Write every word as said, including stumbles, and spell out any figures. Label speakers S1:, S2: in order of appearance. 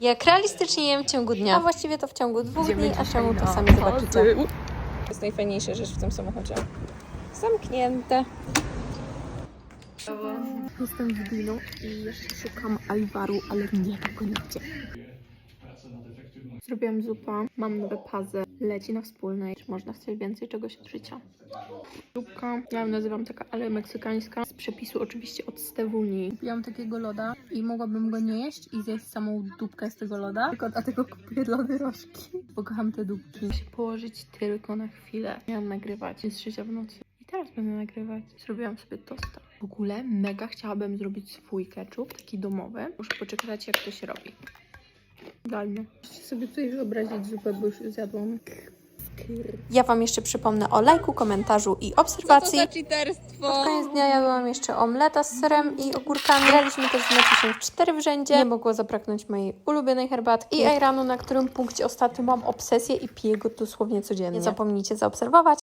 S1: Jak realistycznie jem w ciągu dnia, a właściwie to w ciągu dwóch
S2: Idziemy
S1: dni, a
S2: dzisiaj
S1: czemu to
S2: na
S1: sami zobaczycie.
S2: To jest najfajniejsza rzecz w tym samochodzie. Zamknięte. Jestem w Dino i jeszcze szukam Alvaru, ale nie ma go nigdzie. Zrobiłam zupę, mam nowe puzzle, leci na wspólnej. Czy można chcieć więcej czegoś od życia? Zupka, ja ją nazywam taka ale meksykańska, z przepisu oczywiście od Stewuni. Kupiłam takiego loda i mogłabym go nie jeść i zjeść samą dupkę z tego loda, tylko dlatego kupuję lody rożki. Pokocham te dupki. Muszę się położyć tylko na chwilę. Miałam nagrywać, jest trzecia w nocy. I teraz będę nagrywać. Zrobiłam sobie tosta. W ogóle mega chciałabym zrobić swój ketchup, taki domowy. Muszę poczekać, jak to się robi. Idealnie. Możecie sobie tutaj wyobrazić zupę, bo już zjadłam.
S1: Ja Wam jeszcze przypomnę o lajku, komentarzu i obserwacji.
S2: Co to za cheaterstwo?
S1: Pod koniec dnia jadłam jeszcze omleta z serem i ogórkami. Graliśmy też w meczu się w cztery w rzędzie. Nie mogło zabraknąć mojej ulubionej herbatki i ajranu, na którym punkcie ostatnio mam obsesję i piję go dosłownie codziennie. Nie zapomnijcie zaobserwować.